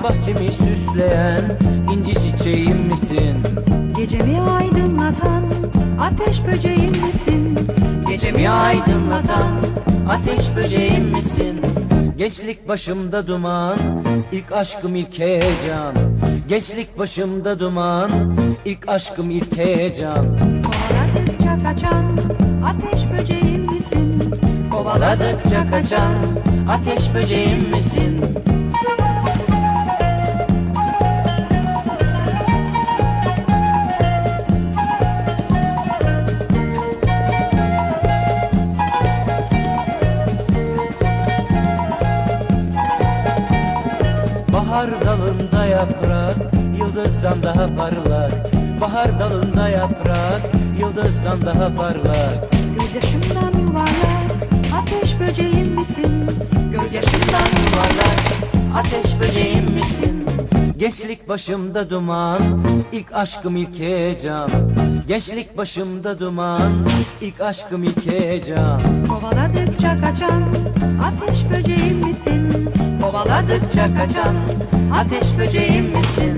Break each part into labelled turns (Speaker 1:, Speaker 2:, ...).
Speaker 1: bahçemi süsleyen inci çiçeğim misin?
Speaker 2: Gecemi aydınlatan ateş böceğim misin?
Speaker 1: Gecemi aydınlatan ateş böceğim misin? Gençlik başımda duman, ilk aşkım ilk heyecan. Gençlik başımda duman, ilk aşkım ilk heyecan.
Speaker 2: Kovaladıkça kaçan ateş böceğim misin?
Speaker 1: Kovaladıkça kaçan ateş böceğim misin? Bahar dalında yaprak, yıldızdan daha parlak. Bahar dalında yaprak, yıldızdan daha parlak.
Speaker 2: Gözyaşımdan yuvarlak ateş böceğim misin?
Speaker 1: Gözyaşımdan yuvarlak, ateş böceğim misin? Gençlik başımda duman, ilk aşkım ilk heyecan. Gençlik başımda duman, ilk aşkım ilk heyecan.
Speaker 2: Kovaladıkça kaçan ateş böceğim misin?
Speaker 1: Kovaladıkça kaçan ateş böceğim misin?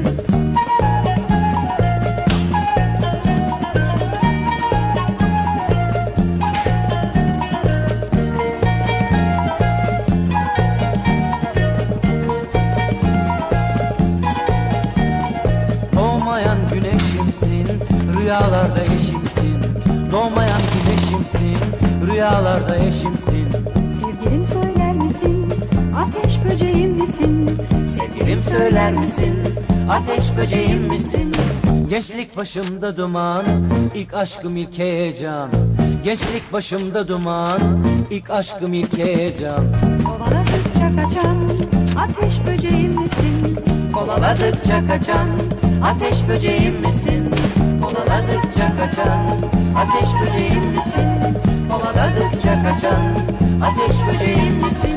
Speaker 1: Doğmayan güneşimsin, rüyalarda eşimsin. Doğmayan güneşimsin, rüyalarda eşimsin.
Speaker 2: Sevgilim söyler misin? Ateş böceğim misin?
Speaker 1: Sevgilim söyler misin? Ateş böceğim misin? Gençlik başımda duman, ilk aşkım ilk heyecan. Gençlik başımda duman, ilk aşkım ilk heyecan.
Speaker 2: Kovaladıkça kaçan ateş böceğim misin?
Speaker 1: Kovaladıkça kaçan ateş böceğim misin? Kovaladıkça kaçan ateş böceğim misin? Kovaladıkça kaçan ateş böceğim misin?